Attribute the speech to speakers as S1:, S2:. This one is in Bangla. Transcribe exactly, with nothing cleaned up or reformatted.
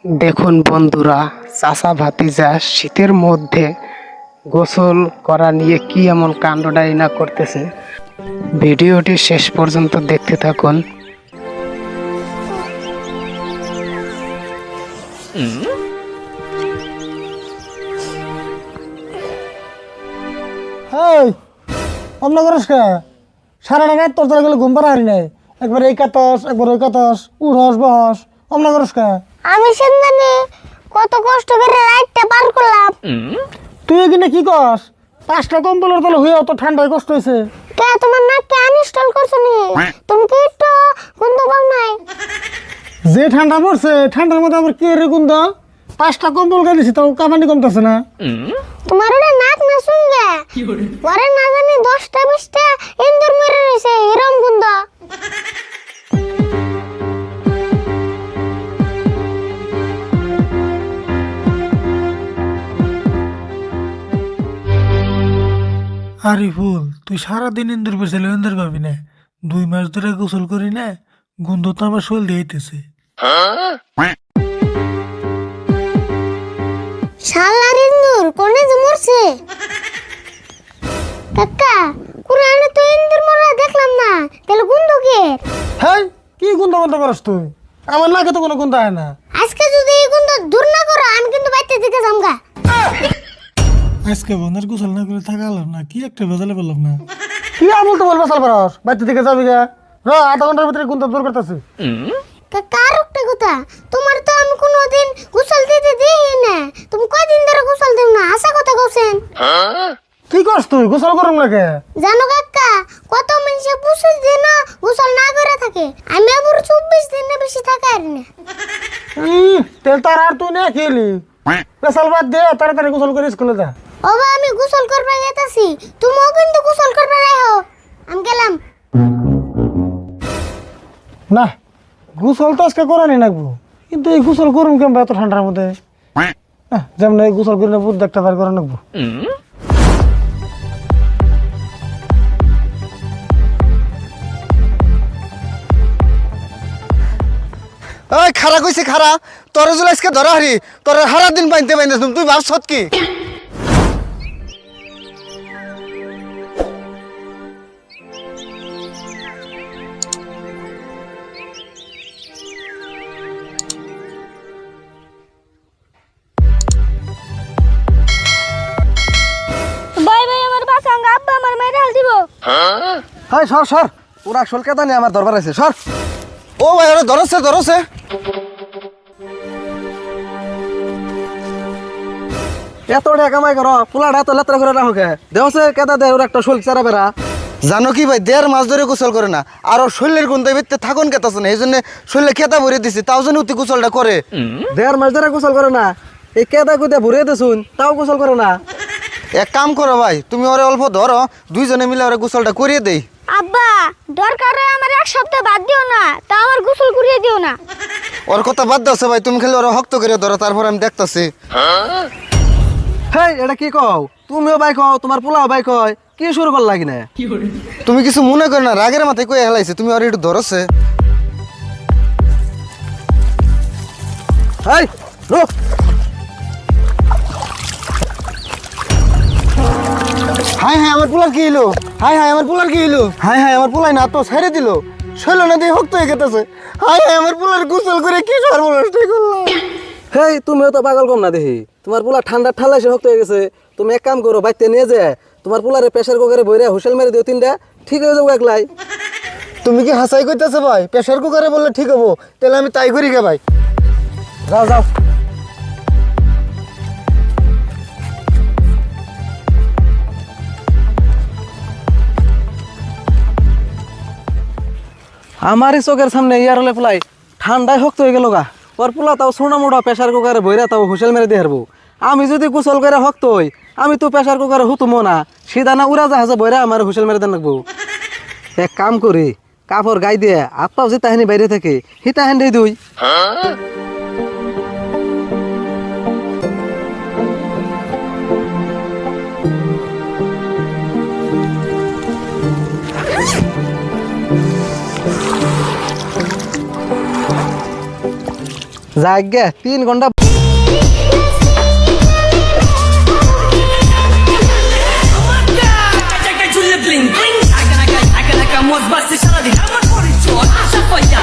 S1: দেখুন বন্ধুরা, চাচা ভাতিজা শীতের মধ্যে গোসল করা নিয়ে কি এমন কাণ্ডটাই না করতেছে। ভিডিওটি শেষ পর্যন্ত দেখতে থাকুন।
S2: হেই অন্য করিস কে? সারা টাকা তোর তোরা গেলে ঘুম পাড়া হারি নাই। একবার এই কাতস একবার ওই কাতস, উড়স বহস, অন্য করিস কে?
S3: আমি সেদিনে কত কষ্ট করে রাতটা পার করলাম।
S2: তুই এখানে কি কস? পাঁচটা কম্বলের তলে হয়ে অত ঠান্ডায় কষ্ট হয়েছে।
S3: কে তোমার নাককে আনইনস্টল করছো নি? তুমি কি একটু গন্ধ পাও নাই?
S2: যে ঠান্ডা পড়ছে ঠান্ডার মধ্যে আবার কি রে গুন্দা? পাঁচটা কম্বল গাইছি তাও কামানি কমতেছে না।
S3: তোমার ওটা নাক না শুনগে ওরে না জানি দশটা বিশটা ইন্দুর মেরে রয়েছে এরম গন্ধ।
S2: আরে ফুল, তুই সারাদিন ইন্দুর পেছালে ইন্দুর পাবি না। দুই মাস ধরে গোসল করি না, গন্ধ তো আমার শরীর দিয়েছে।
S3: শালার ইন্দুর কোনে যে মরছে? কাকা কুরআনে তো ইন্দুর মরা দেখলাম না, তাহলে গন্ধ কে?
S2: হ্যাঁ, কি গন্ধ গন্ধ করস তুই? আমার নাকে তো কোনো গন্ধ হয় না।
S3: আজকে যদি এই গন্ধ দূর না করো আমি কিন্তু বাইতে দিকে যামগা।
S2: আজকে বন্ধের গোসল না করে থাকা হলাম না, কি একটা বেজালে পেলাম না। কি আমল তো বলবা সাল পারস? বাইতে দিকে যাবি গা, র আধা ঘন্টার ভিতরে গন্ধ দূর করতেছি।
S3: কার একটা কথা, তোমার তো আমি কোনোদিন গোসল দিতে দিই না। তুমি কয়দিন ধরে গোসল দেও না, আশা কথা কইছেন।
S2: কি করস তুই? গোসল করুম না কে?
S3: জানো কাকা, কত মানুষে পঁচিশ দিন গোসল না করে থাকে, আমি আবার চব্বিশ দিন বেশি থাকা আর না।
S2: হুম, তেল তার আর তুই না খেলি। পেশাল বাদ দে, তাড়াতাড়ি গোসল করে স্কুলে যা।
S3: ওবা আমি গোসল করবে যেতেছি, তুমিও কিন্তু গোসল করবে রাখো। আমি গেলাম।
S2: না, গোসল তো আজকে করানি লাগবো, কিন্তু এই গোসল করুম কেমন এত ঠান্ডার মধ্যে? যেমন এই গোসল করে বুধ একটা বার করে নেবো।
S4: ওই খারা কইছি খারা, তোর জুল আজকে ধরা হারি, তোর হারা দিন পাইতে পাইনে তুই ভাবছত কি?
S3: বাই বাই আমার বাসাঙ্গা আব্বা আমার মায়ের হাল দিব।
S4: হাই সর সর, ওরা আসল কেদা নিয়ে আমার দরবার আছে, সর। ও ভাই ওরা ধরছে ধরছে। এত টাকা কামাই করো, পোলাটা এত লেত্রা করে রাখো কে? দেওছে কেদা দে ওর একটা শোল চারা বেড়া। জানো কি ভাই, দেড় মাস ধরে গোসল করে না, আর ওর শরীরের গুণ ভিত্তি থাকুন কেতাছে না, এই জন্য শরীরে কেতা ভরে দিছি, তাও জন্য উতি গোসলটা করে। দেড় মাস ধরে গোসল করে না, এই কেদা কুদা ভরে দিছুন তাও গোসল করে না। এক কাম করো ভাই, তুমি ওরে অল্প ধরো, দুইজনে মিলে ওরে গোসলটা করিয়ে দেই।
S3: আব্বা দরকার হয় আমার এক সপ্তাহ বাদ দিও না, তা আমার গোসল করিয়ে দিও না।
S4: ওর কথা বাদ দাও ভাই, তুমি খালি ওরা হক্ত করে ধরো, তারপর আমি দেখতাছি। হেই এটা কি কও? তুমিও বাইক হও, তোমার পোলাও বাইক হয়, কি শুরু কর লাগি না? তুমি কিছু মনে করো না, রাগের মাথায় কয়ে হেলাইছে, তুমি ওর একটু ধরছে। হাই রুক। হাই হাই আমার পোলার কি হইলো? হাই হাই আমার পোলার কি হইলো? হাই হাই আমার পোলাই না তো ছেড়ে দিল, শৈল না দিয়ে হক্ত হয়ে গেতেছে। হাই হাই আমার পোলার গোসল করে কি সর্বনষ্ট করলাম। হেই তুমিও তো পাগল কম না দেখি, তোমার পোলা ঠান্ডা ঠাল্লা এসে হক্ত হয়ে গেছে। তুমি এক কাম করো, বাইতে নিয়ে যায় তোমার পোলারে প্রেশার কুকারে বইরে হুইসেল মেরে দিও তিনটা, ঠিক হয়ে যাবো একলাই। তুমি কি হাসাই কইতেছো ভাই? প্রেশার কুকারে বললে ঠিক হবো, তাহলে আমি তাই করি গে ভাই। যাও যাও। আমারই চোখের সামনে ইয়ার হলে পোলাই ঠান্ডায় শক্ত হয়ে গেল গা। ওর পোলা তাও সোনা মোটা প্রেশার কুকারে বইরা তাও হুইসেল মেরে দিয়ে হারবো। আমি যদি গোসল করে শক্ত হই, আমি তো প্রেশার কুকারে হুতুমো না, সিধা না উড়া জাহাজে বইরা আমার হুইসেল মেরে দেন লাগবো। এক কাম করি, কাপড় গাই দিয়ে আত্মাও যে তাহানি বাইরে থাকে হিতা হেন দুই। যাক গে তিন ঘন্টা
S5: Bling bling, I can I can I can I can was busted, shut up, I'm not for it, George. I shall fight ya.